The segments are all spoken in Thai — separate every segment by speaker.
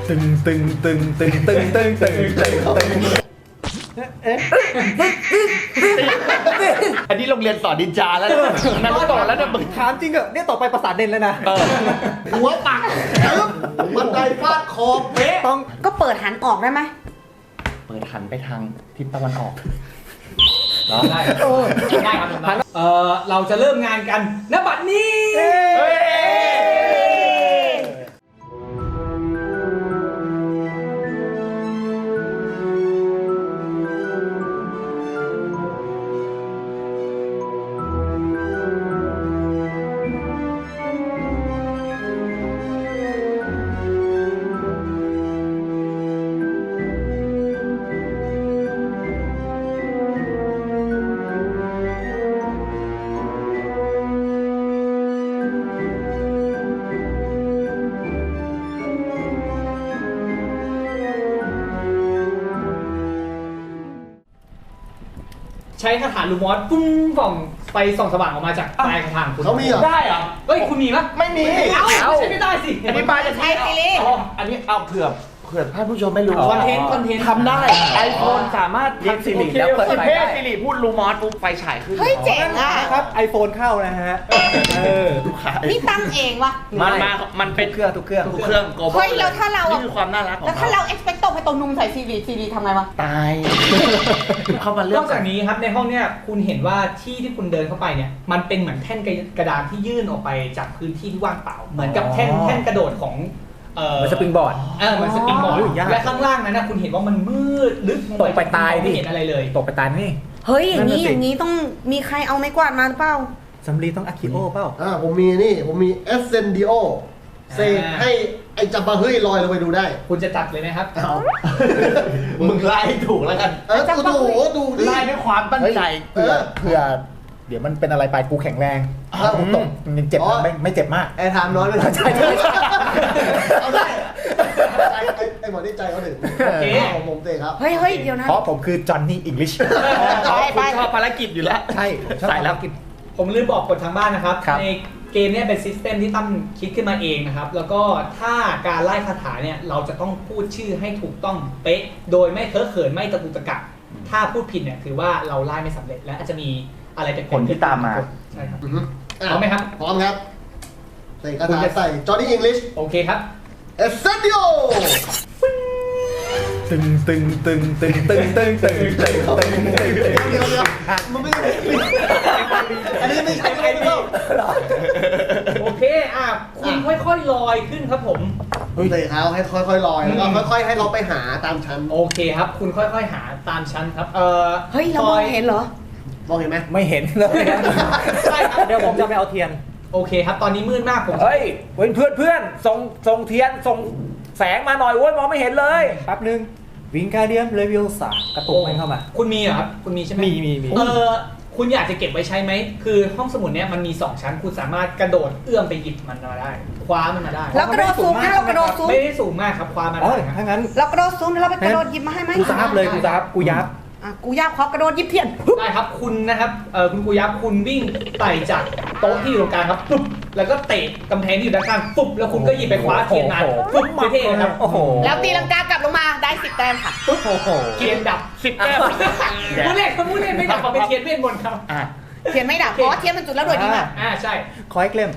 Speaker 1: ตึงตึงตึงตึงตึงตึงตึงตึงตึง
Speaker 2: อันนี้โรงเรียนสอนดินจาแล้วนั่งต่อแล้วเนี่ยมึง
Speaker 1: ถามจริงเหรอเนี่ยต่อไปประสาทเด่นแล้วนะ
Speaker 3: หัวปักบันไดฟาดคอเป๊ะ
Speaker 1: ต้อง
Speaker 4: ก็เปิดหันออกได้ไหม
Speaker 2: เปิดหันไปทางทิศตะวันออก
Speaker 5: ได้ได้ครับเราจะเริ่มงานกันณบัดนี้ ใช้คาถาลูมอสปุ้งส่องไฟส่องสว่างออกมาจากปลายคาถาคุณ
Speaker 3: เขามีเหรอ
Speaker 2: ได้เหรอ
Speaker 5: เฮ้ยคุณมีปะ
Speaker 2: ไม่มี
Speaker 5: เอ้าใช้ไม่ได้สิ
Speaker 2: อันนี้ปลาจะ
Speaker 4: ใช้ซีรีส์
Speaker 2: อ๋ออันนี้เอาเผื่อท่านผู้ชมไม่รู้ว่า
Speaker 5: คอนเทนต์
Speaker 2: ทำได้ไอโฟนสามารถเรียกสิริแล้วเปิดไฟได้สิริพูดลูมอสปุ๊บไฟฉายขึ้น
Speaker 4: เฮ้ยเจ๋งอ่ะ
Speaker 1: ครับ iPhone เข้านะฮะ
Speaker 2: ลูกค้า
Speaker 4: นี่ตั้งเองวะ
Speaker 2: มันเป็นเครื่องทุกเครื่องโกลบอล
Speaker 4: เฮ้ยแล้วถ้าเรานี่
Speaker 2: คือความน่ารักของ
Speaker 4: แล้วถ้าเรา expecto ไปตรงนุงใส่ซีรีทำไงวะ
Speaker 2: ตายเข้ามาเลื
Speaker 5: น
Speaker 2: อ
Speaker 5: อก กจากนี้ครับในห้องเนี่ยคุณเห็นว่าที่คุณเดินเข้าไปเนี่ยมันเป็นเหมือนแท่นกระดานที่ยื่นออกไปจากพื้นที่ที่ว่างเปล่า เหมือนกับแท่นกระโดดของ
Speaker 1: มันสปริงบอร์ด
Speaker 5: เหมือนสปริงบอร์ด
Speaker 1: ยาก
Speaker 5: และข้างล่างนั้นนะคุณเห็นว่ามันมืดลึกลง
Speaker 1: ตกไปตาย
Speaker 5: ไม่
Speaker 1: ดิ
Speaker 5: เห็นอะไรเลย
Speaker 1: ตกไปตายนี่
Speaker 4: เฮ้ยอย่างนี้
Speaker 1: นั่นน่ะสิ
Speaker 4: อย่างนี้ต้องมีใครเอาไม้กวาดมาหรือเปล่า
Speaker 1: สำลีต้องอะคิโอเปล่า
Speaker 3: ผมมีเอสเซนดิโอเซกให้ไอ้จับบาเฮ้ยลอยลงไปดูได้
Speaker 5: คุณจะจัดเลยไหมครับ
Speaker 2: มึงไล่ให้ถูกแล้วกัน
Speaker 3: ดูดิ
Speaker 2: ไล่ด้วยความตั้งใจ
Speaker 1: เผื่อเดี๋ยวมันเป็นอะไรไปกูแข็งแรงถ้าผมตกมันยังเจ็บนะไม่เจ็บมาก
Speaker 3: แอร์ไทม์น้อยเลย
Speaker 1: ใช่
Speaker 3: เอาได้ไอ้หมอนี่ใจเขาถึง
Speaker 5: โอเค
Speaker 3: ผมเตะครับ
Speaker 4: เฮ้ยเฮ้ยเดี๋ยวนะ
Speaker 1: เพราะผมคือจอห์นนี่อังกฤษ
Speaker 4: ไป
Speaker 2: คุณชอบภารกิจอยู่แล้ว
Speaker 1: ใช่ผมชอบ
Speaker 2: สายลับ
Speaker 1: กิน
Speaker 5: ผมลืมบอกกฎทางบ้านนะครับ
Speaker 1: ครับ
Speaker 5: ในเกมเนี่ยเป็นซิสเต็มที่ตั้มคิดขึ้นมาเองนะครับ แล้วก็ถ้าการไล่คาถาเนี่ยเราจะต้องพูดชื่อให้ถูกต้องเป๊ะ โดยไม่เพ้อเขินไม่ตะกุกตะกักถ้าพูดผิดเนี่ยถือว่าเราไล่ไม่สำเร็จและอาจจะมีอะไรจะเกิด
Speaker 2: ผลที่ตามมา
Speaker 5: ใช่ครับ
Speaker 3: พ
Speaker 5: พร้อมไหมครับ
Speaker 3: พร้อมครับใส่กระดาษใส่จอห์นนี่อังกฤษ
Speaker 5: โอเคครับ
Speaker 3: เอสเซนดิโอ
Speaker 1: ตึงตึงตึงตึงตึงตึงตึงตึงตึงตึงตึง
Speaker 3: เดี๋ยวมันไม่ได้อันนี้ไม่ใช่ไอ้เปล่า
Speaker 5: โอเคคุณค่อยๆลอยขึ้นครับผม
Speaker 3: เตะเขาให้ค่อยๆลอยแล้วก็ค่อยๆให้เราไปหาตามชั้น
Speaker 5: โอเคครับ คุณค่อยๆหาตามชั้นครับ
Speaker 4: เฮ้ยเรามองเห็นเหรอ
Speaker 3: มองเห็นไหม
Speaker 1: ไม่เห็นเลย
Speaker 5: ใช่ครับ
Speaker 1: เดี๋ยวผมจะไปเอาเทียน
Speaker 5: โอเคครับ ตอนนี้มืดมากผม
Speaker 1: เฮ้ยเพื่อนส่งเทียนส่งแสงมาหน่อยโว้ยมองไม่เห็นเลยแป๊บนึงวิงการเดียมเลเวล3กระตุกมันเข้ามา
Speaker 5: คุณมีเหรอครับคุณมีใช่ไหม
Speaker 1: มี
Speaker 5: คุณอยากจะเก็บไว้ใช้ไหมคือห้องสมุดเนี้ยมันมี2ชั้นคุณสามารถกระโดดเอื้อมไปหยิบมันมาได้ คว้ามันมาได้
Speaker 4: แล้วกระโดดซูมนะเรากระโดดซูม
Speaker 5: ไม่ได้สูงมากครับคว้ามา
Speaker 1: อ๋อ
Speaker 5: ได้ครับ
Speaker 1: ถ้างั้น
Speaker 4: เรากระโดดซูมแล้วเราไปกระโดดหยิบมาให้ไหม
Speaker 1: กูซับเลยกูซับกูยับ
Speaker 4: กูยากขอกระโดดหยิบเทียน
Speaker 5: ได้ครับคุณนะครับคุณกุยับคุณวิ่งไต่จากโต๊ะที่อยู่ตรงกลางครับปุ๊บแล้วก็เตะกำแพงที่อยู่ด้านข้างปุ๊บแล้วคุณก็หยิบไปคว้าเทียนมาปุ๊บเท่ๆครับ
Speaker 1: โอ้โห
Speaker 4: แล้วตีลังกากลับลงมาได้10 แต้มค่ะ
Speaker 5: ปุ๊บเทียนดับ10 แต้มผู้เล่นไม่ดับเป็นเทียนเวทมนต์ครับ
Speaker 4: เทียนไม่ดับเพราะเทียนมันจุดแล้วโดดดีมาก
Speaker 5: ใช่
Speaker 1: ขอให้เกลม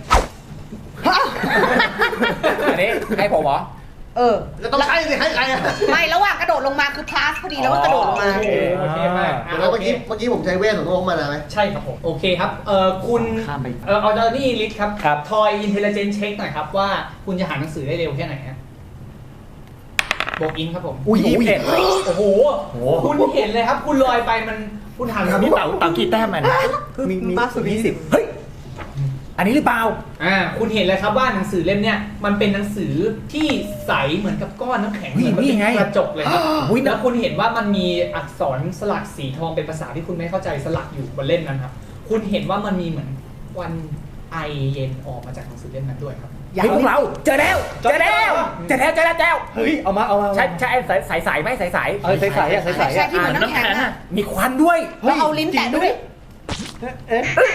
Speaker 1: อันนี้ให้ผมเหรอ
Speaker 3: ก็ต้องใช้สิให้ใครอ่ะ
Speaker 4: ไม่ระหว่างกระโดดลงมาคือพลาสพอดีแล้วก็กระโดดลงมา
Speaker 5: โอเคมาก
Speaker 3: แล้วเมื่อกี้ผมใช้เวทของลงมานะไหม
Speaker 5: ใช่ครับผมโอเคครับคุณ
Speaker 2: ข้ามไป
Speaker 5: เอาจอนี่ลิสครับทอยอินเทลเจนเช็คหน่อยครับว่าคุณจะหาหนังสือได้เร็วแค่ไหนฮะโบกอินครับผม
Speaker 1: อุ้ย21
Speaker 5: โอ้โหคุณเห็นเลยครับ คุณลอยไปมันคุณหันมา
Speaker 2: นี่เต่ากี่แต้มมัน
Speaker 1: มีมากสุด20เฮ้ยอันนี้หรือเปล่า
Speaker 5: คุณเห็นเลยครับว่าหนังสือเล่มเนี้ยมันเป็นหนังสือที่ใสเหมือนกับก้อนน้ำแข็งเหมือนเป็นกระจกเลยครับแล้วคุณเห็นว่ามันมีอักษรสลักสีทองเป็นภาษาที่คุณไม่เข้าใจสลักอยู่บนเล่มนั้นครับคุณเห็นว่ามันมีเหมือนควันไอเย็นออกมาจากหนังสือเล่มนั้นด้วยครับ
Speaker 1: เฮ้ยพวกเราเจอแล้วเฮ้ยเอามาใช่ใสไหมใสใสใสอ่ะใส
Speaker 4: ใช่ที่เหมือนน้ำแข็งอะ
Speaker 1: มีควันด้วย
Speaker 4: เราเอาลิ้นแตะด้วย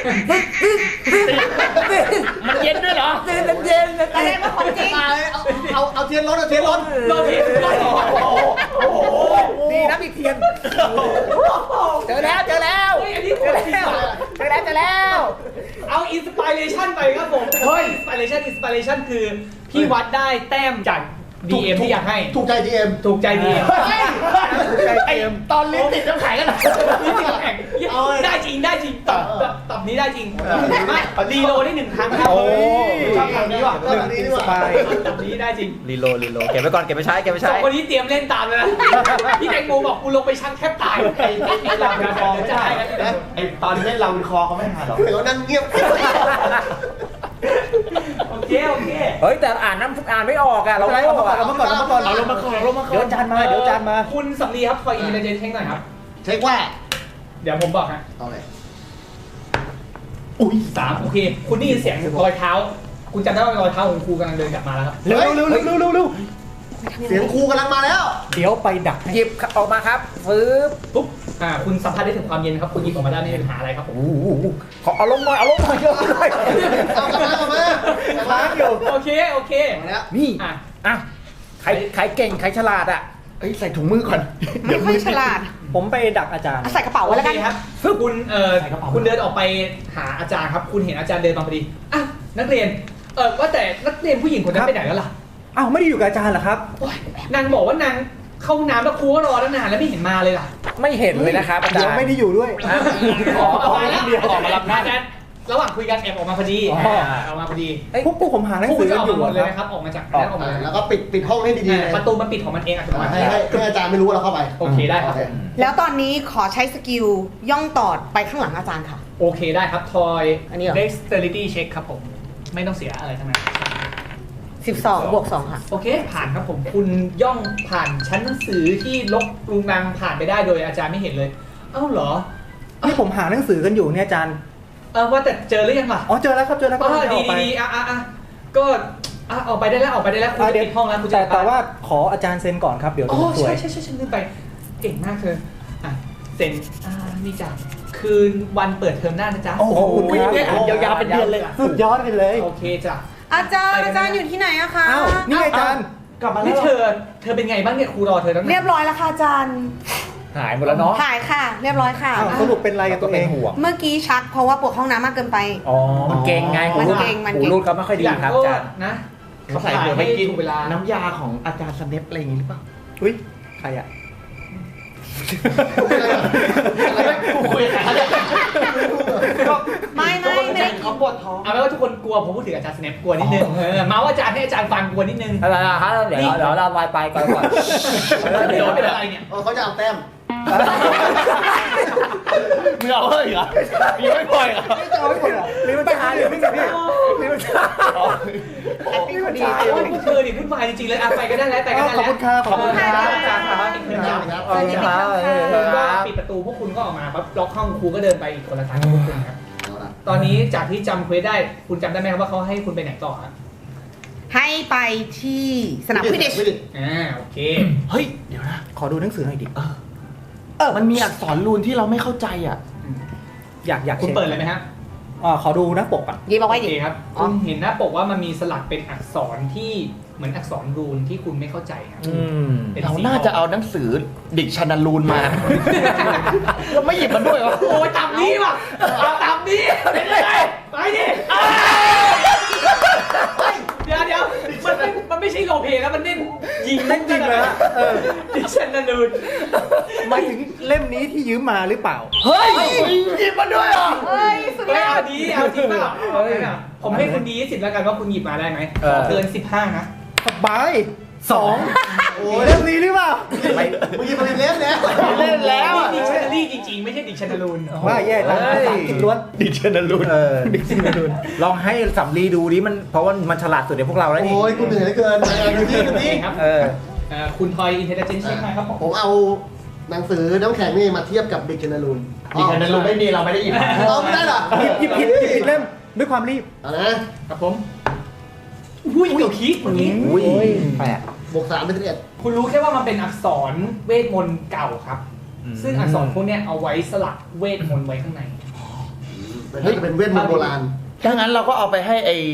Speaker 2: มันเย็นด้วยเหรอ
Speaker 1: เย็น
Speaker 4: อะไรว่าของจริง
Speaker 3: เอาเทียนรถเอาเทียนรถ
Speaker 5: โดนผิด
Speaker 1: นี่น้ำอีกเทียนเจอแล้ว
Speaker 5: เฮ้ยอันนี้โหดจริงว่ะ
Speaker 1: เจอแล้ว
Speaker 5: เอาอินสปิเรชันไปครับผมเฮ้ยอินสปิเรชันคือพี่วัดได้แต้มจาก DM ที่อยากให้
Speaker 3: ถูกใจ GM
Speaker 5: ถูกใจ DM
Speaker 2: ไอ้ตอนลิ้นติดน้ำแข็งกัน
Speaker 5: ได้จริงตอบนี้ได้จริงไม่รีโหลได้1 ครั้งครับ
Speaker 1: โอ้
Speaker 5: ชอบคำนี้ว่ะ
Speaker 3: ชอบคำนี้ดีกว่า
Speaker 5: ตอบนี้ได้จริง
Speaker 1: รีโหลดเก็บไว้ก่อนเก็บไปใช้
Speaker 5: สองคนนี้เตรียมเล่นตามเลยนะพี่แตงโมบอกกูลงไปชั่งแทบตายไอ้เราคอจะได้กัน
Speaker 2: ไอ้ตอนเล่นเราวินคอเขาไม่หาหรอก
Speaker 3: เดี๋ยวนั่งเงียบ
Speaker 5: โอเค
Speaker 1: เฮ้ยแต่อ่านไม่ออกอ่ะเราไม่ออก
Speaker 3: เอามาก่อน
Speaker 2: เอาลงมาก่อนลงมาก่อน
Speaker 1: เดี๋ยวจานมา
Speaker 5: คุณสำลีครับคอยอินเทลเจนเช็คหน่อยครับ
Speaker 3: เช็คว่า
Speaker 5: เดี๋ยวผมบอกฮะ
Speaker 3: เอาเลย
Speaker 5: อุ้ย3โอเค คุณได้ยินเสียงรอยเท้า คุณจำได้ว่ารอยเท้าของครูกำลังเดินกลับมาแล้วครับ
Speaker 1: เร็ว
Speaker 3: เสียงครูกำลังมาแล้ว
Speaker 1: เดี๋ยวไปดักหยิบออกมาครับฟื้บ
Speaker 5: ปุ๊บคุณสัมผัสได้ถึงความเย็นครับ คุณหยิบออกมาได้ไม่มีปัญหาอะไรครับผม
Speaker 1: ขอเอาลงหน่อย
Speaker 3: เอากลับมา
Speaker 1: ค้างอยู่
Speaker 5: โอเค
Speaker 3: มาแล้ว
Speaker 1: นี่
Speaker 5: อ่ะ
Speaker 1: อ่ะใครเก่งใครฉลาดอ่ะ
Speaker 2: เอ้ยใส่ถุงมือก่อน
Speaker 4: ไม่ค่อยฉลาด
Speaker 1: ผมไปดักอาจารย์
Speaker 4: ใส่กระเป๋าไว้แล้วกัน
Speaker 5: โอเคครับคุณคุณเดินออกไปหาอาจารย์ครับ คุณเห็นอาจารย์เดินมาพอดีอ่ะนักเรียนว่าแต่นักเรียนผู้หญิงคนนั้นไปไหนแล้วล่ะ
Speaker 1: อ้าวไม่ได้อยู่กับอาจารย์เหรอครับ
Speaker 5: นางบอกว่านางเข้าห้องน้ำแล้วครูก็รอตั้งนานแล้วไม่เห็นมาเลยล่ะ
Speaker 1: ไม่เห็นเลยนะครับอาจารย์
Speaker 2: เดี๋ยวไม่ได้อยู่ด้วย
Speaker 5: ออกมาแล้วออกมารับหน้าระหว่างคุยกันแอบออกมาพอดี
Speaker 1: อ๋อ
Speaker 5: ออกมาพอดี
Speaker 1: พวกผมหาหนัง
Speaker 5: ผู้
Speaker 1: สือ
Speaker 5: จะ
Speaker 1: กั
Speaker 5: อน อก
Speaker 1: อยู่
Speaker 5: มาหมดเลย
Speaker 1: ค
Speaker 5: นะค
Speaker 1: รับ
Speaker 5: รับออกมาจากนั้นออกมาเลย
Speaker 3: แล้วก็ปิดห้องให้ดีๆเลย
Speaker 5: ประตูมันปิดของมันเองอัตโนมัติ
Speaker 3: ให้อาจารย์ไม่รู้ว่าเราเข้าไป
Speaker 5: โอเคได้ครับ
Speaker 4: แล้วตอนนี้ขอใช้สกิลย่องตอดไปข้างหลังอาจารย์ค่ะ
Speaker 5: โอเคได้ครับทอย
Speaker 4: อันนี้เหรอ
Speaker 5: dexterity check ครับผมไม่ต้องเสียอะไรทั้งนั้น
Speaker 4: 12 บวก 2 ค่ะ
Speaker 5: โอเคผ่านครับผมคุณย่องผ่านชั้นหนังสือที่ลกรุงรังผ่านไปได้โดยอาจารย์ไม่เห็นเลยเอ้าเหรอ
Speaker 1: นี่ผมหาหนังสือกันอยู่เนี่ยอาจารย์
Speaker 5: ว่าแต่เจอหรือยังล่ะ
Speaker 1: อ๋อเจอแล้วครับก็
Speaker 5: ดี
Speaker 1: ออกไป
Speaker 5: ดีก็ออกไปได้แล้วคุณจะปิดห้องแล้วคุณจะ
Speaker 1: แต่ว่าขออาจารย์เซ็นก่อนครับเดี๋ยว
Speaker 5: อ๋อ
Speaker 1: สวย
Speaker 5: ใช่ฉันลืมไปเก่งมากเธอเซ็นนี่จ้ะคืนวันเปิดเทอมหน้านะจ๊ะ
Speaker 1: โอ้โห
Speaker 2: เนี่ยอ่านยาวๆเป็นเดือนเลย
Speaker 1: สุดยอดไปเลย
Speaker 5: โอเคจ้ะ
Speaker 4: อาจารย์อยู่ที่ไหนอะคะ
Speaker 1: อ้าวนี่ไงอาจารย์
Speaker 2: กลับมาแล้
Speaker 5: นี่
Speaker 2: ว
Speaker 5: เธอเป็นไงบ้างเนี่ยครูรอเธอตั้งนาน
Speaker 4: เรียบร้อยแล้วค่ะอาจารย์
Speaker 1: หายหมดแล้วเนาะ
Speaker 4: ถ่ายค่ะ เรียบร้อยค่ะ
Speaker 1: อ้าวสรุปเป็นอะไรกับตัวเอง
Speaker 4: เมื่อกี้ชักเพราะว่าปวดห้องน้ำมากเกินไป
Speaker 1: อ๋อมันเก่งไง
Speaker 4: มันเก่ง
Speaker 1: หูรูดเขาไม่ค่อยดีครับอาจารย์
Speaker 5: นะ
Speaker 2: เขาใส่เผื่อไปกิน
Speaker 5: ถูกเวลา
Speaker 2: น้ำยาของอาจารย์สเนปอะไรอย่างงี้หรือเปล่า
Speaker 1: อุ้ยใครอ่ะ
Speaker 2: กูคุยกับใคร
Speaker 4: ไม่ได้กิน
Speaker 2: เขาปวดท้อง
Speaker 5: เอาไว้ว่าทุกคนกลัวผมพูดถึงอาจารย์สแนปกลัวนิดนึงเมาส์อาจารย์ให้อาจารย์ฟังกลัวนิดนึง
Speaker 1: อะไรนะครับเดี๋ยวเราไปก่อน
Speaker 5: เดี๋ยวเป็นอะไรเนี่ย
Speaker 3: เขาจะเอาแต้ม
Speaker 2: มึงเอาเลยเหรอมีไม่ปล่อยเหรอ
Speaker 1: จะเอาไม่หมดเหรอหรือมันจะหาหรือไม่จะพี่หรือมันจะ
Speaker 4: แอปปี้พอดี
Speaker 5: โอ้ยพวกเธอนี่พูดมาจริงๆเลยไปก็ได้แล้วไปก็ได้
Speaker 1: ขอบ
Speaker 5: แล้ว
Speaker 1: คุณครับ
Speaker 5: ขอบคุณครับอาจารย์ครับ
Speaker 3: ครับ
Speaker 1: ขอบคุณครับ
Speaker 5: คุณก็ปิดประตูพวกคุณก็ออกมาปั๊บล็อกห้องครูก็เดินไปอีกคนละทางกับพวกคุณครับตอนนี้จากที่จำเควสได้คุณจำได้ไหมครับว่าเขาให้คุณไปไหนต่อครับ
Speaker 4: ให้ไปที่สนามฟิตเนส
Speaker 5: โอเค
Speaker 2: เฮ้ยเดี๋ยวนะ
Speaker 1: ขอดูหนังสือหน่อยดิ
Speaker 2: มันมีอักษรรูนที่เราไม่เข้าใจอ่ะ
Speaker 1: อยาก
Speaker 5: คุณเปิดเลยไหมครับ
Speaker 1: ขอดูหน้าปกอ่ะ
Speaker 4: ยิบเอาไว้
Speaker 5: โอ
Speaker 4: ดิ
Speaker 5: เคครับคุณเห็นหน้าปกว่ามันมีสลักเป็นอักษรที่เหมือนอักษรรูนที่คุณไม่เข้าใจครับ เป็น
Speaker 2: เรา
Speaker 5: สี
Speaker 2: น่าจะเอาหนังสือดิกชันนารูนมาเราไม่หยิบมันด้วยวะ
Speaker 5: โอ้ยตามนี้ว่ะเอาตามนี้เป็นไงไปดิเดี๋ยวมันไม่ใช่โรลเพลย์แล้วมันเล่นยิง
Speaker 1: เล่นจริงเลยฮะ
Speaker 5: ดิฉันนารูน
Speaker 1: หมายถึงเล่มนี้ที่ยืมมาหรือเปล่า
Speaker 2: เฮ้ยหยิบมันด้วยเหรอ
Speaker 4: เฮ้ย สุดยอ
Speaker 5: เอา
Speaker 4: ด
Speaker 5: ดีเอาจริงเปล่าผมให้คุณดี10แล้วกันว่าคุณหยิบมาได้ไหมเกิน15นะ
Speaker 1: สบาย2โอ้ยเล่มนี้หรือเปล่า
Speaker 3: มึงยิงมาเล่นแล้ว
Speaker 2: เล่นแล้วอะ
Speaker 5: ดิชันนารีจริงๆไม่ใช่ดิชันนารูน
Speaker 1: ว่าแย่จังภาษาอังกฤษล้วน
Speaker 2: ดิกชันนารูน
Speaker 1: ดิกชันนารูนลองให้สำลีดูดิมันเพราะว่ามันฉลาดสุดในพวกเราแล้วนี่
Speaker 3: โอ้ยกูเหนื่อยเหลือเกินดูที่ดูที่
Speaker 5: ครับ คุณทอยอินเทลเจนซ์เช็คหน่อยครับผม
Speaker 3: ผมเอาหนังสือน้ำแข็งนี่มาเทียบกับดิกชันนารูน
Speaker 2: ดิกชันนารูนไม่มีเราไม่ได้หยิบมา
Speaker 3: เอาไม่ได้เหรอ
Speaker 1: หยิบผิดเล่มด้วยความรีบ
Speaker 3: เอานะครับ
Speaker 5: ผมอุ้ยเกี่ยวคิดเมื่อกี้
Speaker 1: อุ้ยแปลก
Speaker 3: บวก3เป็น11
Speaker 5: คุณรู้แค่ว่ามันเป็นอักษรเวทมนต์เก่าครับ ซึ่งอักษรพวกเนี้ยเอาไว้สลักเวทมนต์ไว้ข้างใน
Speaker 3: เฮ้ยเป็นเวทมนต์โบราณ
Speaker 2: ถ้างั้นเราก็เอาไปให้ไอ้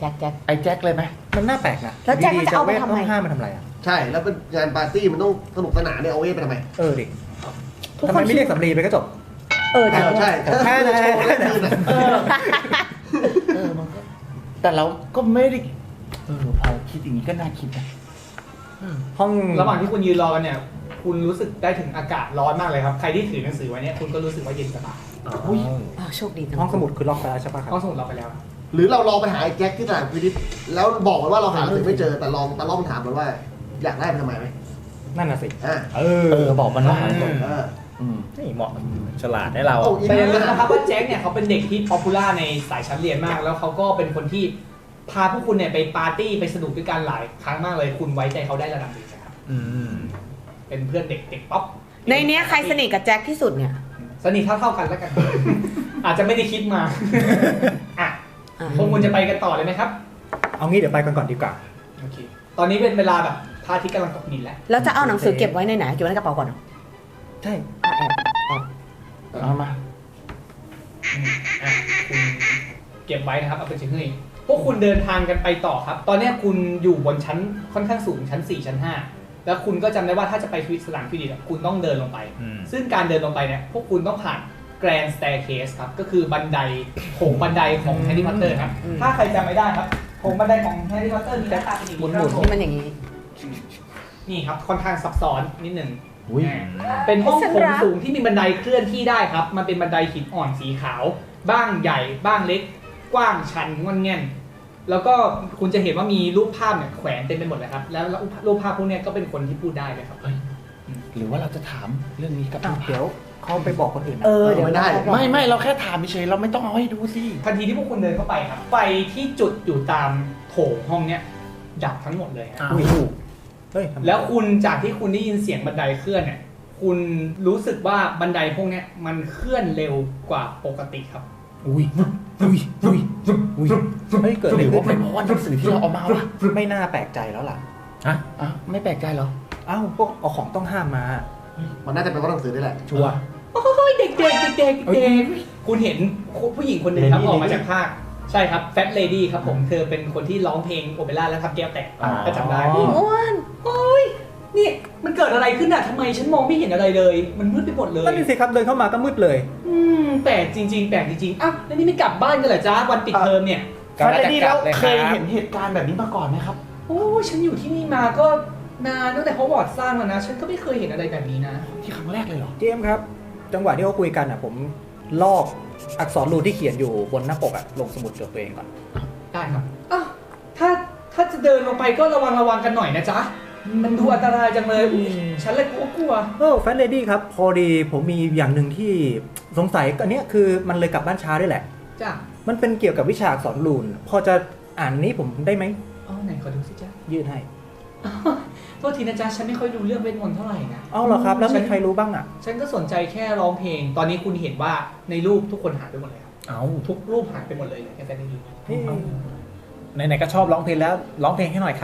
Speaker 4: แจ็ค
Speaker 2: ไอ้แจ็คเลยไหม
Speaker 1: มันน่าแปลกนะ
Speaker 4: แล้วแจ็คมันจะเอาไปทำไม
Speaker 1: ต้องห้ามมันทำอะไรอ่ะ
Speaker 3: ใช่แล้วเป็นงานปาร์ตี้มันต้องสนุกสนานเนี่ยเอาเวทไปทำไม
Speaker 1: ดิ
Speaker 4: ทุก
Speaker 1: ทำ
Speaker 4: ค
Speaker 1: ไม
Speaker 4: น
Speaker 1: ไม่เรียกสำลีไปก็จบ
Speaker 4: จริง
Speaker 3: ใช่
Speaker 1: แค่นั้น
Speaker 3: โชว์แล้วคืนน่ะ
Speaker 2: มันก็แต่เราก็ไม่ได้พอคิดอย่างนี้ก็น่าคิดนะ
Speaker 1: ห้อง
Speaker 5: ระหว่างที่คุณยืนรอกันเนี่ย คุณรู้สึกได้ถึงอากาศร้อนมากเลยครับ ใครที่ถือหนังสือไว้เนี่ยคุณก็รู้สึกว่าเย็นสบาย
Speaker 2: อุ้ย
Speaker 4: โชคดีจัง
Speaker 1: ห้องสมุดคือล็อกไปแล้วใช่ปะครับ
Speaker 5: ห้องสมุดเราไปแล้ว
Speaker 3: หรือเราลองไปหาไอ้แจ็คที่ตลาดพินิจแล้วบอกมันว่าเราหาหนังสือไม่เจอแต่ลองตะล่อมถามมันว่า อยากได้ไปทำไมไหม
Speaker 1: นั่นน่ะสิ
Speaker 3: อ่า
Speaker 2: บอกมันว่า
Speaker 1: นี่เหมาะฉลาดให้เรา
Speaker 3: เอาอีก
Speaker 5: แต่อย่าลืมนะครับว่าแจ็คเนี่ยเขาเป็นเด็กที่ป๊อปปูล่าในสายชั้นเรียนมาก แล้วเขาก็เป็นคนที่พาพวกคุณเนี่ยไปปาร์ตี้ไปสนุกด้วยกันหลายครั้งมากเลย คุณไว้ใจเขาได้ระดับหนึ่งนะครับเป็นเพื่อนเด็กป๊อป
Speaker 4: ในเนี้ยใครสนิทกับแจ็คที่สุดเนี่ย
Speaker 5: สนิทเท่าๆกันแล้วกัน อาจจะไม่ได้คิดมาอ่ะพวกคุณจะไปกันต่อเลยไหมครับ
Speaker 1: เอางี้เดี๋ยวไปกันก่อนดีกว่า
Speaker 5: โอเคตอนนี้เป็นเวลาแบบพระอาทิตย์กำลังตกดินแล้ว
Speaker 4: แล้วจะเอาหนังสือเก็บไว้ในไหนเก็บไว้ในกระเป๋าก่อนเหรอ
Speaker 1: ใช่
Speaker 4: แอบ
Speaker 2: เอามา
Speaker 5: อ่ะคุณเก็บไว้นะครับเอาไปเช็คให้พวกคุณเดินทางกันไปต่อครับ ตอนเนี้ยคุณอยู่บนชั้นค่อนข้างสูงชั้น 4 ชั้น 5 แล้วคุณก็จำได้ว่าถ้าจะไปสนามฟิลิปคุณต้องเดินลงไป ซึ่งการเดินลงไปเนี่ยพวกคุณต้องผ่าน Grand Staircase ครับก็คือบันไดโถงบันไดของแฮร์รี่พอตเตอร์ครับถ้าใครจำไม่ได้ครับโถงบันไดของแฮร์รี่พอตเตอร์มีหน้าตาเป็นอย่างนี้ครับผม
Speaker 4: ที่มันอย่างนี้
Speaker 5: นี่ครับค่อนข้างซับซ้อนนิดหนึ่ง
Speaker 2: อุ้ย
Speaker 5: เป็นห้อง
Speaker 4: ฉัน
Speaker 5: โถง
Speaker 4: รัก
Speaker 5: สูงที่มีบันไดเคลื่อนที่ได้ครับ มันเป็นบันไดหินอ่อนสีขาว บ้างใหญ่บ้างเล็ก กว้างชันงอนแง่น แล้วก็คุณจะเห็นว่ามีรูปภาพเนี่ยแขวนเต็มไปหมดเลยครับ แล้วรูปภาพพวกเนี้ยก็เป็นคนที่พูดได้เลยครับ
Speaker 2: หรือว่าเราจะถามเรื่องนี้กับ
Speaker 1: เดี๋ยวเขาไปบอกคนอื่นนะ
Speaker 4: เดี๋ยว
Speaker 3: ไม่ได้
Speaker 2: ไม่เราแค่ถามเฉยเราไม่ต้องเอาให้ดูสิ
Speaker 5: ทันทีที่พวกคุณเดินเข้าไปครับ ไฟที่จุดอยู่ตามโถงห้องเนี้ยดับทั้งหมดเลยครับ
Speaker 1: อุ้ยเฮ้ยทำไม
Speaker 5: แล้วคุณจากที่คุณได้ยินเสียงบันไดเคลื่อนเนี่ย คุณรู้สึกว่าบันไดพวกเนี้ยมันเคลื่อนเร็วกว่าปกติครับ
Speaker 1: อุ้ยเฮ้ยเกิด
Speaker 2: ห
Speaker 1: อะไร
Speaker 2: รือ
Speaker 1: ขึ้
Speaker 2: ว่าเป็น
Speaker 1: น
Speaker 2: เพราะว่าหนังสือที่เราเอามาวะ
Speaker 1: ไม่น่าแปลกใจแล้วล่ะ
Speaker 2: อ่ะไม่แปลกใจเหรอ
Speaker 1: อ้าวพวกเอาของต้องห้ามมา
Speaker 3: มันน่าจะเป็นเพราะหนังสือนี่แหละ
Speaker 1: ชัวร์
Speaker 5: โอ้ยเด็กคุณเห็นผู้หญิงคนหนึ่งครับ
Speaker 1: Lady
Speaker 5: ออกมาจากภาคใช่ครับแฟตเลดี้ครับผมเธอเป็นคนที่ร้องเพลงโอเปร่าแล้วทำแก้วแตก
Speaker 2: อ๋อ
Speaker 5: ก็จำได้
Speaker 4: อ้วน
Speaker 5: โอ้ยนี่มันเกิดอะไรขึ้นอะทำไมฉันมองไม่เห็นอะไรเลย มันมืดไปหมดเลย
Speaker 1: นั่นสิครับเดินเข้ามาก็มืดเลย
Speaker 5: แปลกจริงๆอ้าวแล้วนี่ไม่กลับบ้านกันเหรอจ๊ะวันปิดเทอมเนี่ย
Speaker 2: แฟนดี้แล้วเคยเห็นเหตุการณ์แบบนี้มาก่อนไหมครับ
Speaker 5: โอ้ยฉันอยู่ที่นี่มาก็นานตั้งแต่เขาวอร์ดสร้างมานะ ฉันก็ไม่เคยเห็นอะไรแบบนี้นะ
Speaker 2: ที่ครั้งแรกเลยเหรอ
Speaker 1: เจมส์ครับ จังหวะที่เขาคุยกันอ่ะผมลอกอักษรรูนที่เขียนอยู่บนหน้าปกอ่ะลงสมุดจดตัวเองก่อน
Speaker 5: ได้ครับอ้าวถ้าจะเดินลงไปก็ระวังกันหน่อยนะจ๊ะ มันดูอันตรายจังเลยอุ๊ยฉันเลยกลัว
Speaker 1: แฟนเลดี้ครับ พอดีผมมีอย่างหนึ่งที่สงสัยอันเนี้ยคือมันเลยกลับบ้านช้าด้วยแหละ
Speaker 5: จ้ะ
Speaker 1: มันเป็นเกี่ยวกับวิชาอักษรรูนพอจะอ่านนี้ผมได้ไหม
Speaker 5: อ๋อไหนขอดูสิจ๊ะ
Speaker 1: ยื่นให้
Speaker 5: โทษทีนะจ๊ะ ฉันไม่ค่อยดูเรื่องเวทมนต์เท่าไหร่นะ
Speaker 1: เอาเหรอครับ แล้วมีใครรู้บ้างอ่ะ
Speaker 5: ฉันก็สนใจแค่ร้องเพลง ตอนนี้คุณเห็นว่าในรูปทุกคนหายไปหมดเลยครับ
Speaker 1: เอา
Speaker 5: ทุกรูปหายไปหมดเลยแค่นี้
Speaker 1: ไหนๆก็ชอบร้องเพลงแล้วร้องเพลงให้หน่อยครับ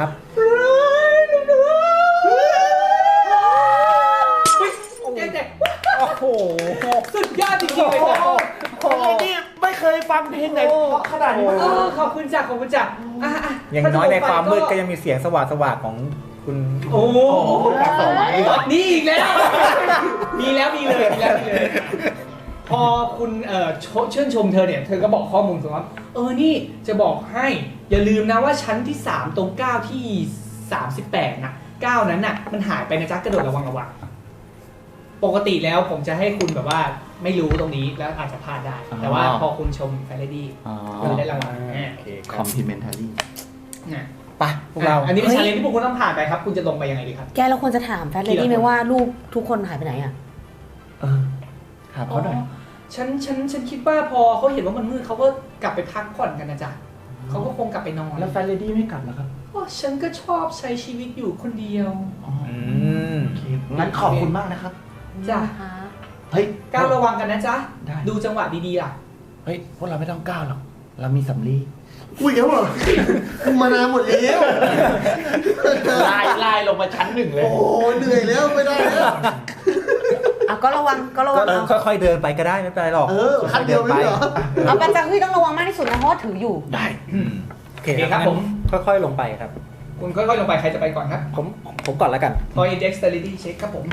Speaker 5: เด็ก
Speaker 1: โอ้โห
Speaker 5: ๆสุดยอดจริงๆเลยจ้ะ
Speaker 2: นี่ไม่เคยฟังเพลงไหนเพราะขนาดนี้มาก่อน
Speaker 5: ขอบคุณจ้ะอ่ะ
Speaker 1: อย่างน้อยในความมืดก็ยังมีเสียงสว่างๆของคุณ
Speaker 5: โอ้โหนี่อีกแล้ว มีเลยพอคุณชื่นชมเธอเนี่ยเธอก็บอกข้อมูลคุณว่านี่จะบอกให้อย่าลืมนะว่าชั้นที่3ตรง9ที่38นะ9นั้นน่ะมันหายไปนะจ๊ะกระโดดระวังปกติแล้วผมจะให้คุณแบบว่าไม่รู้ตรงนี้แล้วอาจจะพลาดได้ แต่ว่าพอคุณชมแฟนเลดี้คุณได้รางวัล
Speaker 1: โอเคค
Speaker 2: ครับ อมพลีเมนทารี่
Speaker 5: นะ
Speaker 1: ไปพวกเรา
Speaker 5: อันนี้เป็นชาเลนจ์ที่พวกคุณต้องผ่านไปครับคุณจะลงไปยังไงดีครับ
Speaker 4: แกเราควรจะถามแฟนเลดี้ไหมว่าลูกทุกคนหายไปไหนอ่ะ
Speaker 2: ถามเขาหน่อย
Speaker 5: ฉันคิดว่าพอเขาเห็นว่ามันมืดเขาก็กลับไปพักผ่อนกันนะจ๊ะเขาก็คงกลับไปนอน
Speaker 2: แล้วแฟนเลดี้ไม่กลับเหรอครับ
Speaker 5: ฉันก็ชอบใช้ชีวิตอยู่คนเดียว
Speaker 2: โอเคงั้นขอบคุณมากนะครับ
Speaker 5: จ้ะ
Speaker 2: เฮ้ย
Speaker 5: ก้าวระวังกันนะจ๊ะ
Speaker 2: ได้
Speaker 5: ดูจังหวะดีๆล่ะ
Speaker 2: เฮ้ยพวกเราไม่ต้องก้าวหรอกเรามีสำลี
Speaker 3: คุยกันเหรอมึงมานานหมดแล้ว
Speaker 2: ไล่ลงมาชั้น 1เลย
Speaker 3: โอ้โหเหนื่อยแล้วไม่ได้แล้ว
Speaker 4: ก็ระวังเอา
Speaker 1: ค่อยๆเดินไปก็ได้ไม่เป็นไรหรอก
Speaker 3: ขั้นเดียวไม่เหรอ
Speaker 4: เอาปัญจาเฮ้ยต้องระวังมากที่สุดนะเพราะว่าถืออยู่
Speaker 2: ได้
Speaker 1: โอเคเคครับผมค่อยๆลงไปครับ
Speaker 5: คุณค่อยๆลงไปใครจะไปก่อนครับ
Speaker 1: ผมก่อนแล้วกัน
Speaker 5: Toy Dexterity Check ครับผม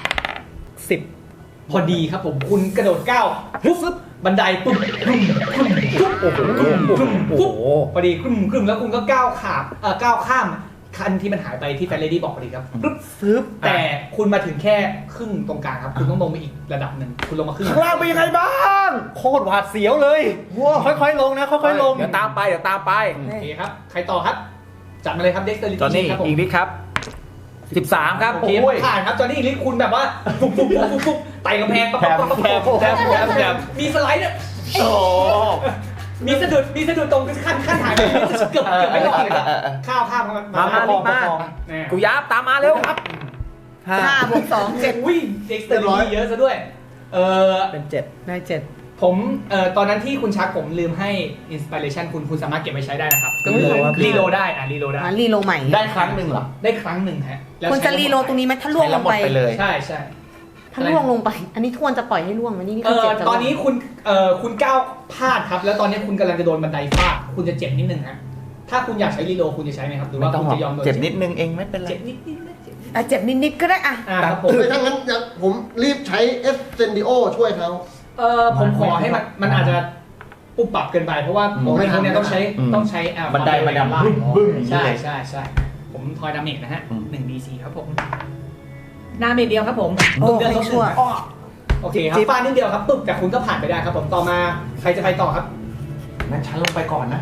Speaker 1: 10
Speaker 5: พอดีครับผมคุณกระโดดก้าวปุ๊บบันไดปุ๊บปุ๊บปุ๊บ
Speaker 1: โอ้โห
Speaker 5: ปุ๊บพอดีครึ่มแล้วคุณก็ก้าวข้ามคันที่มันหายไปที่แฟนเลดี้บอกพอดีครับปุ๊บ
Speaker 1: ซึบ
Speaker 5: แต่คุณมาถึงแค่ครึ่งตรงกลางครับคุณต้องลงไปอีกระดับหนึ่งคุณลงมาครึ่ง
Speaker 1: ข้างล่างเป็นยังไงบ้างโคตรหวาดเสียวเลยค่อยๆลงนะค่อยๆลงเดี๋ยวตามไป
Speaker 5: โอเคครับใครต่อครับจัดมาเลยครับ Dexterity
Speaker 1: จอห์นนี่
Speaker 5: Check ครับผม
Speaker 1: อีกนิดครับ13ครับ
Speaker 5: โอเคผ่านครับจอห์นนี่อีกนิดคุณแบบว่าปุ๊บไต่กำแพงปั๊บมีสไลด์เนี่ย
Speaker 2: โอ้
Speaker 5: มีสะดุดตรงขั้นหายไปเกือบไม่รอดเลยครับข้าวมา
Speaker 1: รีบมากูยับตามมาเร็วครับ
Speaker 4: 5 บวก 2 7
Speaker 5: อุ้ยเด็กสเตอร์เยอะซะด้วย
Speaker 1: เป็น7
Speaker 4: ได้7
Speaker 5: ผมตอนนั้นที่คุณชักผมลืมให้อินสปิเรชันคุณสามารถเก็บไปใช้ได้นะครับก็คือรีโหลดได้รีโหลดได้
Speaker 4: รีโลใหม่
Speaker 2: ได้ครั้งหนึ่งเหรอ
Speaker 5: ได้ครั้งหนึ่งฮะ
Speaker 4: ควรจะรีโลตรงนี้ไหมถ้าล่วงลงไป
Speaker 2: ใช้แล้วหมดไปเลย
Speaker 5: ใช่
Speaker 4: ถ้าล่วงลงไป อันนี้ควรจะปล่อยให้ล่วงไหมนี่คือเจ็บ
Speaker 5: ตอนนี้คุณก้าวพลาดครับแล้วตอนนี้คุณกำลังจะโดนบันไดฟาดคุณจะเจ็บนิดนึงฮะถ้าคุณอยากใช้รีโหลคุณจะใช้ไหมครับหรือว่าคุณจะยอมโดน
Speaker 2: เจ็บนิดนึงเองไม่เป็นไร
Speaker 5: เจ็บนิด
Speaker 4: เจ็บนิดๆก็ได้อะ
Speaker 5: ครับผม
Speaker 3: ถ้างั้นผมรีบใช้เอสเซนดิโอช่วยเขา
Speaker 5: ผมขอให้มันอาจจะปุบปับเกินไปเพราะว่าผมในพวกนี้ต้องใช้
Speaker 2: บันไดมาดำบึ้มอย่างนี้
Speaker 5: ใช่
Speaker 2: เลย
Speaker 5: ผมทอยดาเมจนะฮะ
Speaker 2: อืม
Speaker 5: 1 DC ครับผมดาเมจเดียวครับผม
Speaker 4: โอ้
Speaker 5: เดือน
Speaker 4: ไม่
Speaker 5: ลบ
Speaker 4: ชั่ว
Speaker 5: โอเคครับฟาดนิดเดียวครับปึ๊บแต่คุณก็ผ่านไปได้ครับผมต่อมาใครจะไปต่อครับ
Speaker 2: งั้นฉันลงไปก่อนนะ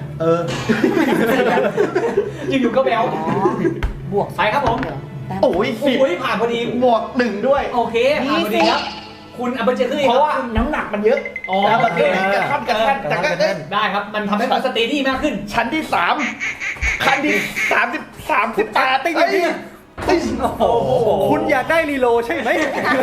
Speaker 5: อยู่ๆก็แบว
Speaker 4: บวก
Speaker 5: ไปครับผม
Speaker 2: โอ้ย
Speaker 5: โอ้ยผ่านพอดี
Speaker 2: บวก1ด้วย
Speaker 5: โอเคผ่านพอดีครับ คุณอัปเปอร์เจอร์
Speaker 2: เพราะว่าน้ำหนักมันเยอะ
Speaker 5: อ๋อ
Speaker 2: แล้ว
Speaker 5: โอ
Speaker 2: มัน
Speaker 5: เค
Speaker 2: กระทัน
Speaker 5: ได้ครับมันทำให้คุณสเตดี้มากขึ้น
Speaker 2: ชั้นที่3ขั้นที่38ติ๊งนี่
Speaker 1: โอ้โหคุณอยากได้รีโลใช่ไหม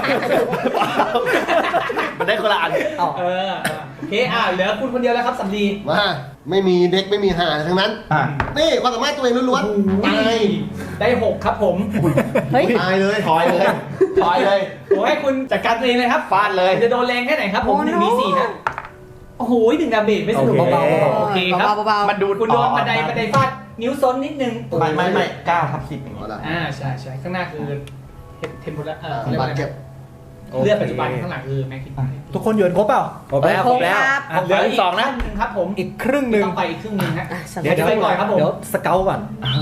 Speaker 2: มันได้คนละอัน
Speaker 5: โอเคเหลือคุณคนเดียวแล้วครับสำลี
Speaker 3: มาไม่มีเด็กไม่มีหาทั้งนั้น นี่ความสามารถตัวเองล้วนๆตาย
Speaker 5: ได้6ครับผม
Speaker 4: เฮ้ย
Speaker 3: ตายเลย
Speaker 2: ถอยเลย
Speaker 5: ผมให้คุณจัดการตัวเองเลยครับ
Speaker 2: ฟาดเลย
Speaker 5: จะโดนแรงแค่ไหนครับผม1 DC นะโอ้โห1 ดาเมจไม่สนุก
Speaker 1: โอเค
Speaker 5: เบาๆโอเคครับ
Speaker 4: เบาๆ
Speaker 2: มันดู
Speaker 5: คุณโดนบันไดฟาดนิ้วซ้นนิดนึง
Speaker 2: ไม่9/10อย่าง
Speaker 3: เอา
Speaker 2: นี้
Speaker 3: ละ
Speaker 5: ใช่ข้างหน้าคือเทมโพล
Speaker 3: บาดเจ็บ
Speaker 5: เลือดปัจจุบันข้างหลังคือแม็กคิน
Speaker 1: ทุกคนโยนครบเปล่าครบแล้ว
Speaker 4: ครบแล้ว
Speaker 5: เหลืออีก2นะครับผม
Speaker 1: อีกครึ่งหนึ่ง
Speaker 5: ต้องไปอีกครึ่งนึงฮะ
Speaker 1: เดี๋ยว
Speaker 5: ไปก่อนครับผม
Speaker 1: เดี๋ยวสเกลก่อน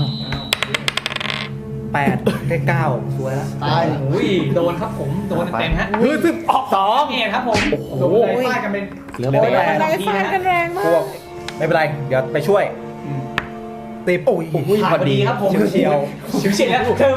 Speaker 1: 8ได้9สวยแล้ว
Speaker 3: ตาย
Speaker 5: โอ้ยโดนครับผมโดนเต็มฮะ
Speaker 1: 2
Speaker 5: นี่ครับผมโดนเลยฟาดกันเป็น
Speaker 1: เหลือ
Speaker 4: โอ้ย
Speaker 1: แปด
Speaker 4: บันไดฟาดกันแรงมา
Speaker 1: พว
Speaker 4: ก
Speaker 1: กไม่เป็นไร เดี๋ยวไปช่วยตีโอ้ย
Speaker 5: ผ่านพอดีครับผม
Speaker 1: เฉียว
Speaker 5: เฉียวแล้วเทิม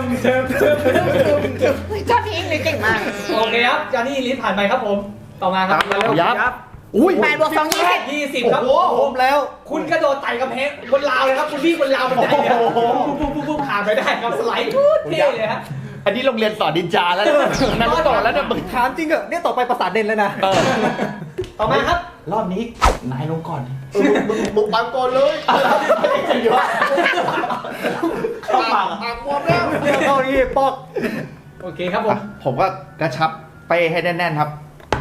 Speaker 4: จอดนี้เลยเก่งมาก
Speaker 5: โอเคครับจอห์นนี่ลิสผ่านไปครับผม ต่อมาครับ
Speaker 2: ยับ
Speaker 1: อุ้ย
Speaker 4: 8 บวก 2 20
Speaker 5: 20ครับ
Speaker 1: ผมแล้ว
Speaker 5: คุณกระโดดไต่กำแพงบนราวเลยครับคุณวิ่งบนราวบันไดเนี่ยปุ๊บผ่านไปได้ครับสไลด์เท่เลยฮะ
Speaker 2: อันนี้โรงเรียนสอนดินจาแล้วนั่นต่อแล้วนะมึง
Speaker 1: ถามจริงเหรอเนี่ยต่อไปประสาทเด่นแล้วนะ
Speaker 5: ต่อมาครับ
Speaker 2: รอบนี้นายลงก่อน
Speaker 3: มึงปังก่อนเลย
Speaker 2: เข้าปาก
Speaker 3: ปากบวมแล้ว
Speaker 1: เข้านี่ปอก
Speaker 5: โอเคครับผม
Speaker 2: ผมก็กระชับไปให้แน่นๆครับ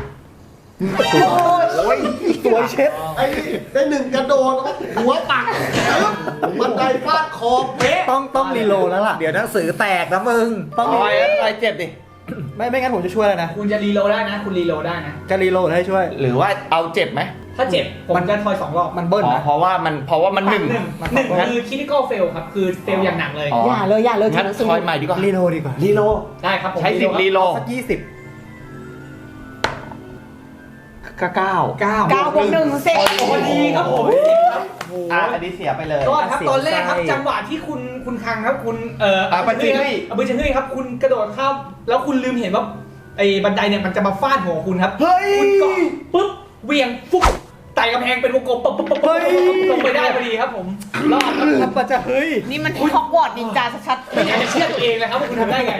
Speaker 1: โอ้ยสวยเช็ด
Speaker 3: ไอ้ได้หนึ่งกระโดดหัวปักบันไดฟาดคอเป๊ะ
Speaker 1: ต้องรีโหลดแล้วล่ะ เดี๋ยวหนังสือแตกนะมึง ต้อง
Speaker 2: ต่อยแล้วต่อยเจ็บดิ
Speaker 1: ไม่งั้นผมจะช่วยแล้วนะ
Speaker 5: คุณจะรีโหลดได้นะ คุณรีโหลดได้นะ
Speaker 1: จะรีโหลดให้ช่วย
Speaker 2: หรือว่าเอาเจ็บไหม
Speaker 5: ถ้าเจ็บผมจะทอย2 รอบ
Speaker 1: มันเบิ้ลนะ
Speaker 2: เพราะว่ามันหนึ่ง
Speaker 5: หนึ่งคือ critical fail ครับ คือ fail อย่างหนักเลย
Speaker 2: อ๋อ
Speaker 4: อย่าเลย
Speaker 2: งั้น
Speaker 4: หนังสือ
Speaker 2: ทอยใหม่ดีกว่า
Speaker 1: รีโหลดดีกว่า
Speaker 2: รีโล
Speaker 5: ได้ครับผม
Speaker 2: ใช้สิบรีโล
Speaker 1: สัก20
Speaker 2: ก็9
Speaker 4: 9 บวก 1 เสร็จ
Speaker 5: พอดีครับผมครับ
Speaker 2: อันนี้เสียไปเลย
Speaker 5: ก็ครับตอนแรกครับ
Speaker 1: เสียใจ
Speaker 5: จังหวะที่คุณคังครับคุณ
Speaker 2: บัญชีเฮ้ย
Speaker 5: บัญชีเฮ้ยครับคุณกระโดดข้ามแล้วคุณลืมเห็นว่าไอ้บันไดเนี่ยมันจะมาฟาดหัวคุณครับ
Speaker 2: เฮ้ย
Speaker 5: คุณก็ปุ๊บเหวี่ยงฟุ๊บไต่กำแพงเป็นวงกลมปุ๊บลงไปได้พอดีครับผมรอดครับ
Speaker 1: ทับปะจะเฮ้ย
Speaker 4: นี่มันฮอกวอตส์นินจาชัด
Speaker 5: ไม่อยากจะเชื่อตัวเองเลยครับว่าคุณทำได้ไง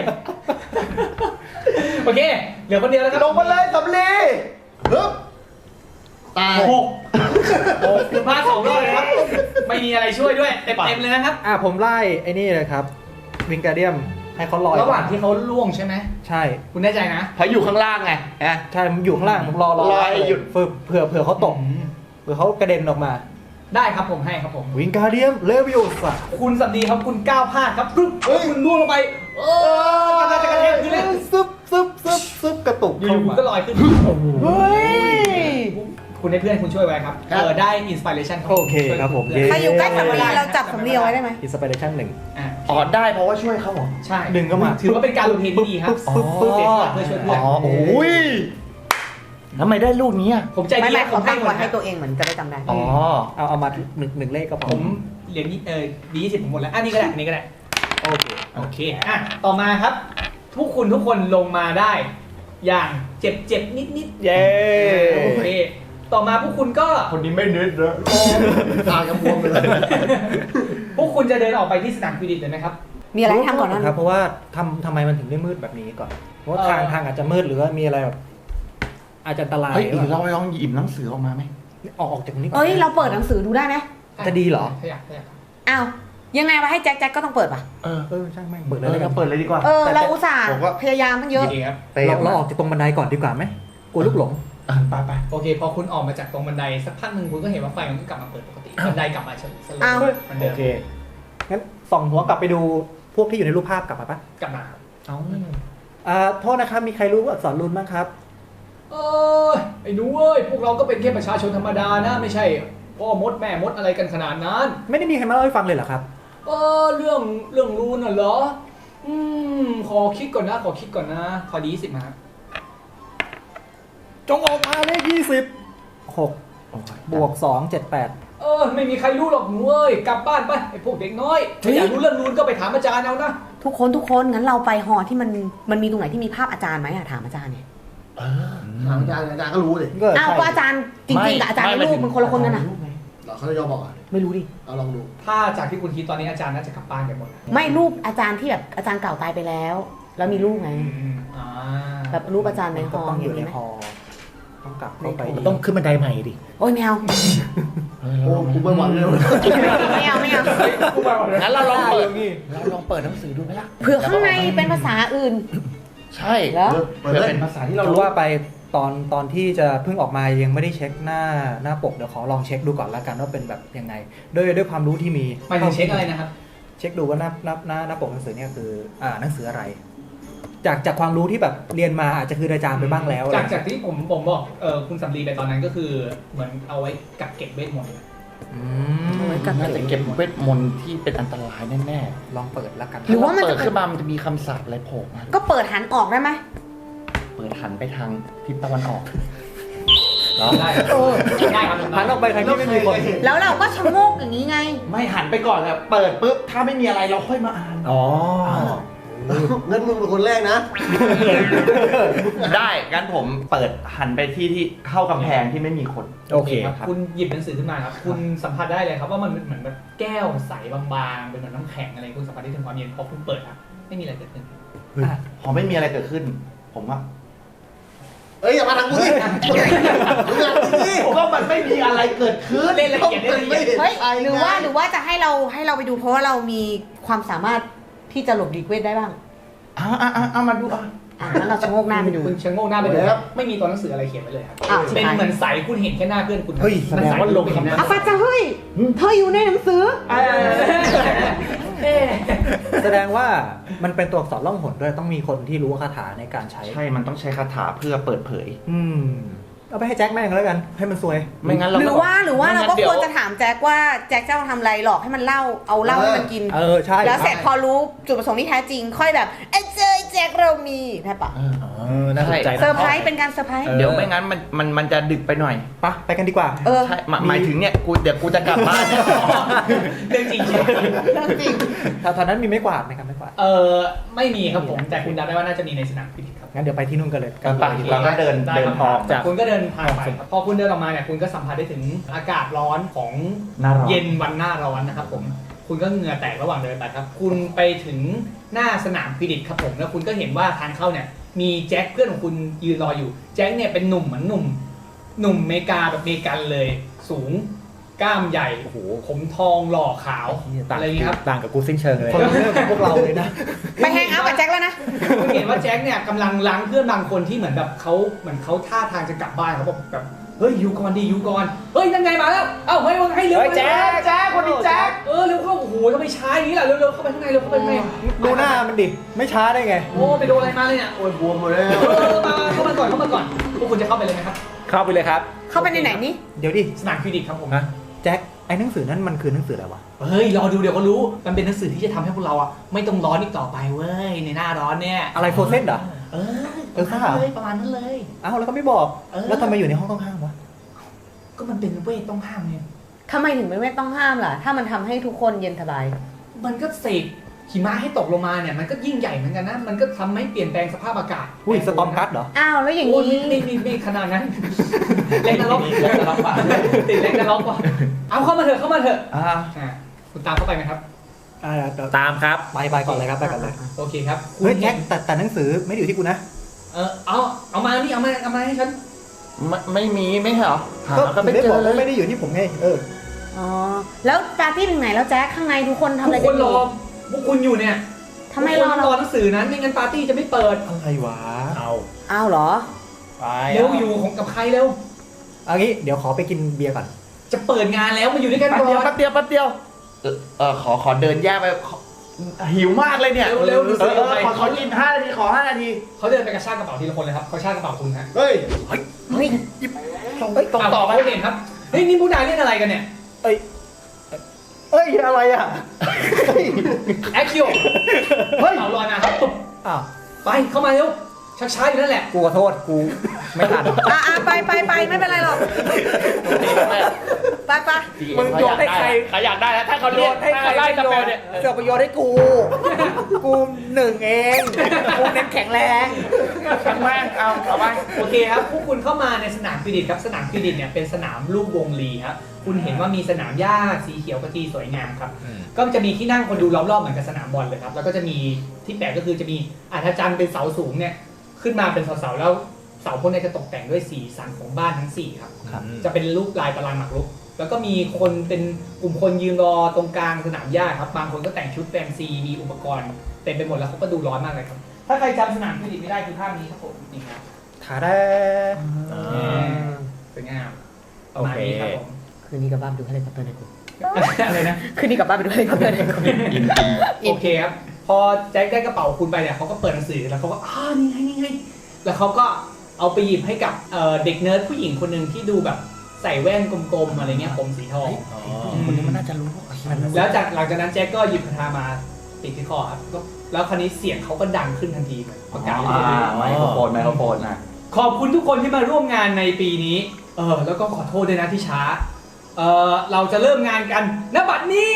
Speaker 5: โอเคเหลือคนเดียวแล้วครับ
Speaker 2: ลงมาเลยสำลี
Speaker 3: ฮึบตาย
Speaker 5: 6คุณพลาด2 รอบเลยครับไม่มีอะไรช่วยด้วยเต็มเลยนะครับ
Speaker 1: ผมไล่ไอ้นี่เลยครับ วิงการเดียมให้เขาลอย
Speaker 5: ระหว่างที่เขาล่วงใช่ไหม
Speaker 1: ใช่
Speaker 5: คุณแน่ใจนะ
Speaker 2: เพราะอยู่ข้างล่างไงนะ
Speaker 1: ใช่ผมอยู่ข้างล่างผมรอ
Speaker 2: รอให้หยุด
Speaker 1: เผื่อเขาตกเผื่อเขากระเด็นออกมา
Speaker 5: ได้ครับผมให้ครับผม
Speaker 1: วิงการเดียมเลวิโอซา
Speaker 5: คุณสัมดีครับคุณก้าวพลาดครับปึ๊บคุณล่วงลงไปกำลังจะกระแทกพื้นเลย
Speaker 1: ซึบกระตุก
Speaker 5: อยู่
Speaker 1: เข้า
Speaker 5: ๆ
Speaker 1: มา
Speaker 5: ก็ลอยขึ้น
Speaker 4: เฮ้ย
Speaker 5: คุณให้เพื่อนคุณช่วยไว้ครับได้อินสปิเรชัน
Speaker 1: โอเคครับผม
Speaker 4: ใครอยู่ใกล้สำลีเราจับสำลีเอาไว้ได้ไหม
Speaker 1: อินสปิเรชั่น1
Speaker 2: อ๋อได้เพราะว่าช่วยเขาเหรอ
Speaker 5: ใช่
Speaker 1: ดึงเข้ามา
Speaker 5: ถือว่าเป็นการลงเทนที่ดีครับ
Speaker 1: ปึ๊บปึ๊บ
Speaker 5: เสียสละเพื่อช่วยเพื่อน
Speaker 2: อ๋อโอ้ยทำไมได้ลูกนี้อ่ะ
Speaker 5: ผมใจดี
Speaker 4: ไม่
Speaker 5: ผ
Speaker 4: เขา
Speaker 5: มให้
Speaker 4: ตั้ง
Speaker 5: หม
Speaker 4: ไว้
Speaker 5: ด
Speaker 4: ให้ตัวเองเหมือนจะได้จำได้
Speaker 2: อ๋อ
Speaker 1: เอามาหนึ่งเลขก็พอ
Speaker 5: ผมเหรียญดี20ผมหมดแล้วอันนี้ก็ได้อันนี้ก็ได้
Speaker 1: โอเค
Speaker 5: โอเคอ่ะต่อมาครับ ทุกคนลงมาได้ อย่างเจ็บนิด
Speaker 1: เย้
Speaker 5: ๆโอเคต่อมาพวกคุณก็
Speaker 2: คนนี้ไม่นึกเลย
Speaker 3: ตากระบวมไปเลย
Speaker 5: พวกคุณจะเดินออกไปที่สนามฟิลิปเลยไหมครับ
Speaker 4: มีอะไรให้ทำก่อนนั้น
Speaker 1: ครับเพราะว่าทำไมมันถึงได้มืดแบบนี้ก่อนเพราะว่าทางอาจจะมืดหรือว่ามีอะไรแบบอาจจะอันตราย
Speaker 2: เฮ้ยหรือเราลองหยิบหนังสือออกมาไหม
Speaker 1: ออกจากตรงนี้ก่อน
Speaker 4: เอ้ยเราเปิดหนังสือดูได้ไหม
Speaker 1: จะดีเหรอ
Speaker 5: ถ้าอยาก
Speaker 4: อ้าวยังไงมาให้แจ็คก็ต้องเปิดป่ะ
Speaker 1: ช่างแม่งเปิด
Speaker 2: เอ
Speaker 1: เลย
Speaker 2: อ
Speaker 1: แล้วกั
Speaker 2: เรา
Speaker 1: น
Speaker 2: เปิดเลยดีกว่า
Speaker 4: เราอุตส่าห์
Speaker 2: ผมว่า
Speaker 4: พยายามตั้งเยอะ
Speaker 5: ดีครับ
Speaker 1: เราออกจากตรงบันไดก่อนดีกว่าไหมกลัวลูกหลง
Speaker 2: ไป
Speaker 5: โอเคพอคุณออกมาจากตรงบันไดสักพักหนึ่งคุณก็เห็นว่าไฟมันก็กลับมาเปิดปกติบันไดกลับมาสโล
Speaker 4: อ้าว
Speaker 5: ว์มันเดิ
Speaker 1: โอ
Speaker 5: ม
Speaker 1: เคงั้นส่องหัวกลับไปดูพวกที่อยู่ในรูปภาพกลับมาปะ
Speaker 5: กลับมาครับ
Speaker 1: โทษนะครับมีใครรู้อักษรรูนบ้างครับ
Speaker 5: ไอ้หนูเอ้ยพวกเราก็เป็นแค่ประชาชนธรรมดานะไม่ใช่พ่อมดแม่มดอะไรกันขนาดนั้น
Speaker 1: ไม่ได้มีใครมาเล่าให้ฟังเลยเหรอครับ
Speaker 5: เรื่องรูนน่ะเหรอขอคิดก่อนนะขอดี10มาครับ
Speaker 1: จงออกมาเลข26 บวก 2 7 8
Speaker 5: ไม่มีใครรู้หรอกหนูเอ้ยกลับบ้านไปไอ้พวกเด็กน้อยถ้าอยากรู้เรื่องรูนก็ไปถามอาจารย์เอานะ
Speaker 4: ทุกคนงั้นเราไปหอที่มันมีตรงไหนที่มีภาพอาจารย์ไหมถามอาจารย์เนี่ย
Speaker 3: ถามอาจารย์ก็รู้เลย
Speaker 4: อ้าวก็อาจารย์จริงๆกับอาจารย์ในรูปมันคนละคนกันนะ
Speaker 3: เหรอเขาจะยอมบอกอ่ะ
Speaker 4: ไม่รู้ดิ
Speaker 3: เอาลองดู
Speaker 5: ถ้าจากที่คุณคิดตอนนี้อาจารย์น่าจะกลับบ้านกันหมดนะ
Speaker 4: ไม่รูปอาจารย์ที่แบบอาจารย์เก่าตายไปแล้ว แล้วมีรูปไง
Speaker 5: อ่า
Speaker 4: แบบรูปอาจารย์ในหอ
Speaker 1: ต้องอยู่ใน
Speaker 4: มีไหม
Speaker 1: หอต้องกลับเข้าไป
Speaker 4: ในหอ
Speaker 1: ต้องขึ้นบันไดใหม่ดิ
Speaker 4: โอ้ยแมว
Speaker 3: โอ้กูไม่หวังเลย
Speaker 4: ไม่เอา
Speaker 2: งั้นเราลองเปิดหนังสือดูไหมล่ะ
Speaker 4: เผื่อข้างในเป็นภาษาอื่น
Speaker 2: ใช่
Speaker 4: แล้ว
Speaker 3: เปิด
Speaker 2: เผื่อ
Speaker 3: เลย
Speaker 2: เป็นภาษาที่เรา
Speaker 1: เรา
Speaker 2: รู้
Speaker 1: ว่าไปตอนที่จะเพิ่งออกมายังไม่ได้เช็คหน้าปกเดี๋ยวขอลองเช็คดูก่อนละกันว่าเป็นแบบยังไงด้วยความรู้ที่มี
Speaker 5: หมายถึงเช็คอะไรนะครับ
Speaker 1: เช็คดูว่าหน้าปกหนังสือเนี่ยคือหนังสืออะไร จากความรู้ที่แบบเรียนมาอาจจะคืออาจารย์ไปบ้างแล้ว
Speaker 5: จากที่ผมบอกคุณสำลีไปตอนนั้นก็คือเหมือนเอาไว้กักเก็บเวทมนต์
Speaker 1: อื
Speaker 4: เอาไว้
Speaker 1: ม
Speaker 4: กั
Speaker 2: น่าจะเก็บเวทมนต์ที่เป็นอันตรายแน่
Speaker 1: ลองเปิดแล้วกัน
Speaker 2: ๆ
Speaker 4: หรือว่ามัน
Speaker 2: เปิ
Speaker 4: จะ
Speaker 2: ดขึ้นมามันจะมีคำสาปอะไรโผล่มา
Speaker 4: ก็เปิดหันออกได้ไหม
Speaker 2: เปิดหันไปทางทิศตะวันออกเหรอ
Speaker 5: ได้ได้ครับ
Speaker 1: หันออกไปทางที่ไม่มีคน
Speaker 4: แล้วเราก็ชะโงกอย่างนี้ไง
Speaker 2: ไม่หันไปก่อนแล้วเปิดปุ๊บถ้าไม่มีอะไรเราค่อยมาอ่าน
Speaker 1: อ๋อ
Speaker 3: งั้นมึงเป็นคนแรกนะ
Speaker 2: ได้งั้นผมเปิดหันไปที่เข้ากำแพงที่ไม่มีคน
Speaker 1: โอเค
Speaker 5: ครับคุณหยิบหนังสือขึ้นมาครับคุณสัมผัสได้เลยครับว่ามันเหมือนแบบแก้วใสบางๆเป็นเหมือนน้ำแข็งอะไรคุณสัมผัสได้ถึงความเย็นพอคุณเปิดครับไม่มีอะไรเกิดขึ้น
Speaker 2: พอไม่มีอะไรเกิดขึ้น ผมว่า
Speaker 3: เอ้ยอย่ามาทางกูดิมึงอย่าทางกูดิ
Speaker 2: ก็มันไม่มีอะไรเกิดขึ้น
Speaker 5: เล่นละเอียดเล่นละเอียด
Speaker 4: เฮ้ยหรือว่าจะให้เราไปดูเพราะว่าเรามีความสามารถที่จะหลบหลีกเวทได้บ้าง
Speaker 2: เอามาดู
Speaker 4: งั้นเราชะโงกหน้าไปดู
Speaker 5: คุณชะโงกหน้าไปดูครับไม่มีตัวหนังสืออะไรเขียนไว้เลยครับ
Speaker 4: อ้าวชิบ
Speaker 5: เป็น
Speaker 4: หาย
Speaker 5: เหมือนใสคุณเห็นแค่หน้าเพื่อนคุณ
Speaker 1: เฮ้ยแสดงว่าลง
Speaker 5: เห็นหน้า
Speaker 4: อาฟาจะเฮ้ยเธออยู่ในหนังสือ
Speaker 1: แสดงว่ามันเป็นตัวอักษรล่องหนด้วยต้องมีคนที่รู้คาถาในการใช้
Speaker 2: ใช่มันต้องใช้คาถาเพื่อเปิดเผย
Speaker 1: เอาไปให้แจ็คแม่งแล้วกันให้มันซวย
Speaker 2: ไม่งั้นเรา
Speaker 4: หรือว่าเราก็ควรจะ
Speaker 2: ถาม
Speaker 4: ถามแจ็คว่าแจ็คจะเอาทำอะไรหลอกให้มันเล่าเอาเหล้าให้มันกิน
Speaker 1: ใช่
Speaker 4: แล้วเสร็จพอรู้จุดประสงค์ที่แท้จริง ค่อยแบบเอ้ยเจอแจ็คเรามีได้ปะ
Speaker 1: น่าสนใจ
Speaker 4: เซอร์ไพรส์เป็นการเซอร์ไพรส์
Speaker 2: เดี๋ยวไม่งั้นมันจะดึกไปหน่อย
Speaker 1: ไปกันดีกว่า
Speaker 2: ใช่หมายถึงเนี่ยเดี๋ยวกูจะกลับบ้านเนี่ย
Speaker 5: เรื่องจริงใช่ไหม
Speaker 4: เรื่องจริง
Speaker 1: แถวนั้นมีไม้กวาดไหมครับไม้กวาด
Speaker 5: ไม่มีครับผมแต่คุณเดาได้ว่าน่าจะมีในสนามฟิลิปครับ
Speaker 1: งั้นเดี๋ยวไปที่นู่นกันเลย
Speaker 2: ไปเราก็เดิน
Speaker 5: ได้
Speaker 2: เดิน
Speaker 5: ครับ
Speaker 2: ออกจาก
Speaker 5: คุณก็เดินทางไปครับพอคุณเดินออกมาเนี่ยคุณก็สัมผัสได้ถึงอากาศร้อนของ
Speaker 2: หน้าร้อน
Speaker 5: เย็นวันหน้าร้อนนะครับผมคุณก็เหงื่อแตกระหว่างเดินไปครับ คุณไปถึงหน้าสนามฟิลิปครับผมแล้วคุณก็เห็นว่าทางเข้าเนี่ยมีแจ็คเพื่อนของคุณยืนรออยู่แจ็คเนี่ยเป็นหนุ่มเหมือนหนุ่มเมกาแบบเมกันเลย สูงกล้ามใหญ่ผมทองหล่อขาวอะไรอย่างนี้ครับ
Speaker 1: ต่างกับกูสิ้นเชิงเลยคนละเรื่องกับพวกเราเลยนะ
Speaker 4: ไปแฮงเอาท์กับแจ็คแล้วนะ
Speaker 5: คุณเห็นว่าแจ็คเนี่ยกำลังล้างเพื่อนบางคนที่เหมือนแบบเขาท่าทางจะกลับบ้านเขาแบบเฮ้ยอยู่ก่อนดิอยู่ก่อนเฮ้ยนั่นไงมาแล้วเอ้าเฮ้ยว่าไงเร็ว
Speaker 1: เฮ้ยแจ๊คคนนี้แจ๊ค
Speaker 5: เร็วเข้าโอ้โหทำไมช้าอย่างนี้ล่ะเร็วเข้าไปข้างในเร็วเข้าไปข้างใน
Speaker 1: ดูหน้ามันดิ ไม่ช้าได้ไง
Speaker 5: โอ้ไปโดนอะไรมาเลยเนี่ย
Speaker 3: โอ้ยบวมหมดแล้ว
Speaker 5: เข้ามาก่อนพวกคุณจะเข้าไปเลยไหมครับ
Speaker 1: เข้าไปเลยครับ
Speaker 4: เข้าไปในไหนนี่
Speaker 1: เดี๋ยวดิ
Speaker 5: สนามคลินิกครับผม
Speaker 1: ฮะแจ็คไอ้หนังสือนั่นมันคือหนังสืออะไรวะ
Speaker 5: เฮ้ยรอดูเดี๋ยวก็รู้มันเป็นหนังสือที่จะทำให้พวกเราอ่ะไม่ต้องร้อนอีกต่อไปเว้ยในหน้าร้อนเนี่ย
Speaker 1: อะไรโฟเซนเหรอ
Speaker 5: ประมาณนั้นเลยประมาณนั้นเลย
Speaker 1: เอ้าแล้วก็ไม่บอก
Speaker 5: เออ
Speaker 1: แล้วทำไมอยู่ในห้องต้องห้ามวะ
Speaker 5: ก็มันเป็นเวทต้องห้ามไง
Speaker 4: ทำไมถึงไม่ต้องห้ามล่ะ ถ้ามันทำให้ทุกคนเย็นสบาย
Speaker 5: มันก็เสกหิมะให้ตกลงมาเนี่ยมันก็ยิ่งใหญ่เหมือนกันนะมันก็ทำให้เปลี่ยนแปลงสภาพอากาศ
Speaker 1: อุ้ยสตอมกัสเหรอ
Speaker 4: อ้าวแล้วอย่าง
Speaker 5: โอ้ย
Speaker 4: นี้
Speaker 5: นี่ขนาดนั้นเล็กนรกว่ะติดเล็กนรกว่ะเอาเข้ามาเถอะอ่าคุณตามเข้าไปไหมครับ
Speaker 1: ตามครับ ไปก่อนเลยครับ ไปก่อนเลย
Speaker 5: โอเคครับ
Speaker 1: เฮ้ยแจ็คแต่หนังสือไม่ได้อยู่ที่กูนะ
Speaker 5: เอามานี่เอามาให้ฉัน
Speaker 2: ไม่มีไม่เหรอหา
Speaker 1: ก็
Speaker 2: ก็
Speaker 1: ไม่
Speaker 2: ไม่
Speaker 1: ได้
Speaker 2: เจ
Speaker 1: บอก
Speaker 2: อเล
Speaker 1: ว่าย ไม่ได้อยู่ที่ผมไง
Speaker 4: อ๋อ แล้วปาร์ตี้ถึงไหนแล้วแจ๊คข้างในทุกคนทำ
Speaker 5: ทุ
Speaker 4: อะไร
Speaker 5: กค
Speaker 4: กัน
Speaker 5: น
Speaker 4: อ
Speaker 5: ร
Speaker 4: ยู่
Speaker 5: อพวกคุณอยู่เนี่ย
Speaker 4: ทำไมรอ
Speaker 5: ทุกคน
Speaker 4: เรา
Speaker 5: รอหนังสือนั้นไม่งั้นปาร์ตี้จะไม่เปิด
Speaker 1: อะไรวะ
Speaker 4: อ้าวเหรอ
Speaker 1: ไป
Speaker 5: เร็วอยู่ของกับใครเร็ว
Speaker 1: เอางี้เดี๋ยวขอไปกินเบียร์ก่อน
Speaker 5: จะเปิดงานแล้วมาอยู่ด้วยกัน
Speaker 2: แป๊บ
Speaker 5: ก่อ
Speaker 2: เดียวน แป๊บเดียวขอเดินแยกไปหิวมากเลยเนี่ย
Speaker 5: เร็วๆดูสิ
Speaker 2: ขอกิน5 นาทีขอ5 นาที
Speaker 5: เขาเดินไปกระชากกระเป๋าทีละคนเลยครับเขาชากกระเป๋าคุณฮะ
Speaker 3: เฮ้ย
Speaker 1: เฮ้ย
Speaker 2: ต้องต่อไป
Speaker 5: เขาเห็นครับเฮ้ยนี่พวกนายเล่นอะไรกันเนี่ย
Speaker 1: เอ้ยอะไรอ่ะ
Speaker 5: แอคคิวเฮ้ยเอาลอยมาครับปุ๊บ
Speaker 1: อ้าว
Speaker 5: ไปเข้ามาเร็วชักช้าอยู่นั่นแหละ
Speaker 1: กูขอโทษ กูไม่ทัน
Speaker 4: ไปไม่เป็นไรหรอก ไป
Speaker 1: มึงโยนให้ใคร
Speaker 2: เขาอยากได้แล้วถ้าเขาโยนให้ใครไล่กาแฟเนี่ย
Speaker 1: เสือกประโยชน์ให้กู กูหนึ่งเอง กูเน้นแข็งแรง
Speaker 2: ช่างแม่งเอาไป
Speaker 5: โอเคครับพวกคุณเข้ามาในสนามคริดิตครับสนามคริดิตเนี่ยเป็นสนามรูปวงรีครับคุณเห็นว่ามีสนามหญ้าสีเขียวกะทีสวยงามครับก็จะมีที่นั่งคนดูล้อมรอบเหมือนกับสนามบอลเลยครับแล้วก็จะมีที่แปลกก็คือจะมีอาจารย์เป็นเสาสูงเนี่ยขึ้นมาเป็นเสาแล้วเสาพวกนี้จะตกแต่งด้วยสีสันของบ้านทั้ง4ครับ
Speaker 1: ครับ
Speaker 5: จะเป็นรูปลายตารางหมากรุกแล้วก็มีคนเป็นกลุ่มคนยืนรอตรงกลางสนามหญ้าครับบางคนก็แต่งชุดแฟนซีมีอุปกรณ์เต็มไปหมดแล้วเขาก็ดูร้อนมากเลยครับถ้าใครจำสนามคริดิตไม่ได้คือภาพนี้ครับผมนี่ครับ
Speaker 1: ขาได้
Speaker 5: สวยงามประมาณนี้ครับผม
Speaker 4: คืนนี้กลับบ้านไปดูเฮลิคอปเตอร์ในกลุ่ม
Speaker 5: อะไรนะ
Speaker 4: คืนนี้กลับบ้านไปดูเฮลิคอปเตอร์ในกลุ่ม
Speaker 5: โอเคครับ พอแจ็คได้กระเป๋าคุณไปเนี่ยเขาก็เปิดหนังสือแล้วเขาก็นี่ไงแล้วเขาก็เอาไปหยิบให้กับเด็กเนิร์ดผู้หญิงคนหนึ่งที่ดูแบบใส่แว่นกลมๆอะไรเงี้ยผมสีทอง
Speaker 1: คนนี้มันน่าจะรู้
Speaker 5: แล้วหลังจากนั้นแจ็คก็หยิบคาถามาติดที่คอครับแล้วคราวนี้เสียงเขาก็ดังขึ้นทันทีเหมือนประกาศ
Speaker 2: ไมโครโฟนนะ
Speaker 5: ขอบคุณทุกคนที่มาร่วมงานในปีนี้แล้วก็ขอโทษด้วยนะที่ช้าเราจะเริ่มงานกันณบัดนี้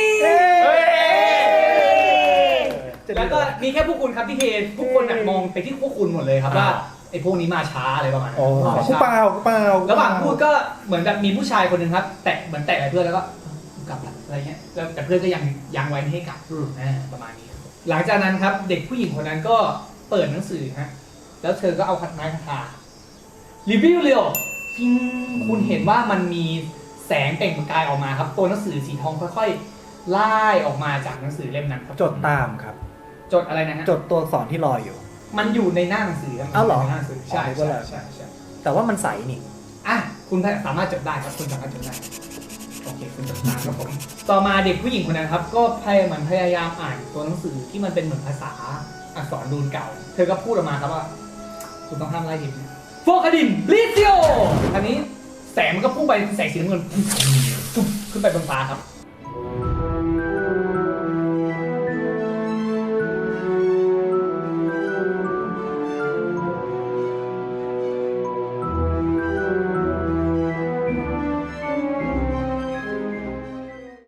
Speaker 5: แล้วก็มีแค่พวกคุณครับที่เททุกคนน่ะมองไปที่พวกคุณหมดเลยครับว่าไอ้พวกนี้มาช้าอะไรประมาณนั้น
Speaker 1: กูเปล่า
Speaker 5: ระหว่างพูดก็เหมือนกับมีผู้ชายคนหนึ่งครับแตะอะไรเพื่อนแล้วก็กลับละอะไรเงี้ยแล้วแต่เพื่อนก็ยังไว้ไม่ให้กลับประมาณนี้ครับหลังจากนั้นครับเด็กผู้หญิงคนนั้นก็เปิดหนังสือฮะแล้วเธอก็เอาไม้คาถารีวิวเร็วพิงคุณเห็นว่ามันมีแสงเปล่งประกายออกมาครับตัวหนังสือสีทองค่อยๆไล่ออกมาจากหนังสือเล่มนั้นครับ
Speaker 1: จดตามครับ
Speaker 5: จดอะไรนะฮะ
Speaker 1: จดตัวอักษรที่ลอยอยู่
Speaker 5: มันอยู่ในหน้าหนังสือ
Speaker 1: อ้าวเหรอ
Speaker 5: ในหน้าหนังสือใช่
Speaker 1: อ๋อ
Speaker 5: ใช่
Speaker 1: แต่ว่ามันใสนี่
Speaker 5: อ่ะคุณสามารถจดได้ครับคุณสามารถจดได้โอเคคุณจดตามครับผมต่อมาเด็กผู้หญิงคนนั้นครับก็พยายามอ่านตัวหนังสือที่มันเป็นเหมือนภาษาอักษรรูนเก่า เธอก็พูดออกมาครับว่าคุณต้องห้ามไล่ดิบโฟคาดินลิซิโออันนี้แสงมันก็พุ่งไปแสงสีน้ำเงินขึ้นไปบนฟ้าครับ